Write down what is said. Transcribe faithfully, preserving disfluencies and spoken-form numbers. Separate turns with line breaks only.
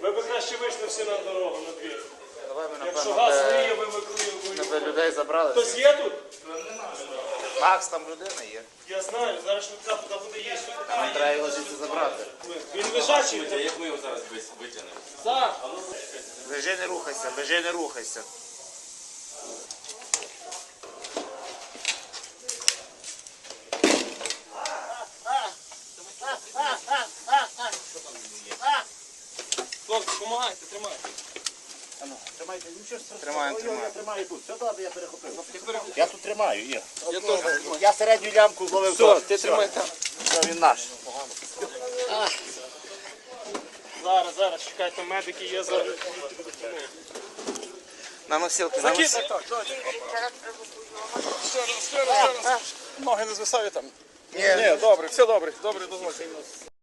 Ви б краще вийшли всі на дорогу, на двір.
Давай ми,
Якщо
напевно,
газ
би-
виє, ви викликали.
ми би людей забрали.
Хтось є тут?
Макс, там людина є.
Я знаю, зараз швидка туди буде їсти.
Нам треба його звідси забрати.
Він лежачий.
Як ми його зараз витягнемо?
Так.
Лежи, не рухайся, лежи, не рухайся.
Хлопці, допомагайте, тримайте.
Тримайте, нічого страшного.
Тримаємо,
Ой,
тримаємо.
Я тримаю тут. Все добре, я перехопив.
Ти пере-
Я тут тримаю, є.
Я теж тримаю.
Я середню лямку зловив.
Все,
теж.
ти тримай там.
Все, він наш.
Зараз, зараз, чекайте, медики є зараз.
На носилки, на
Закид,
носилки.
так, так. Ще раз, ще раз, ще раз. Ноги не звисають там.
Ні,
Ні, добре, все добре, добре, дозвольте.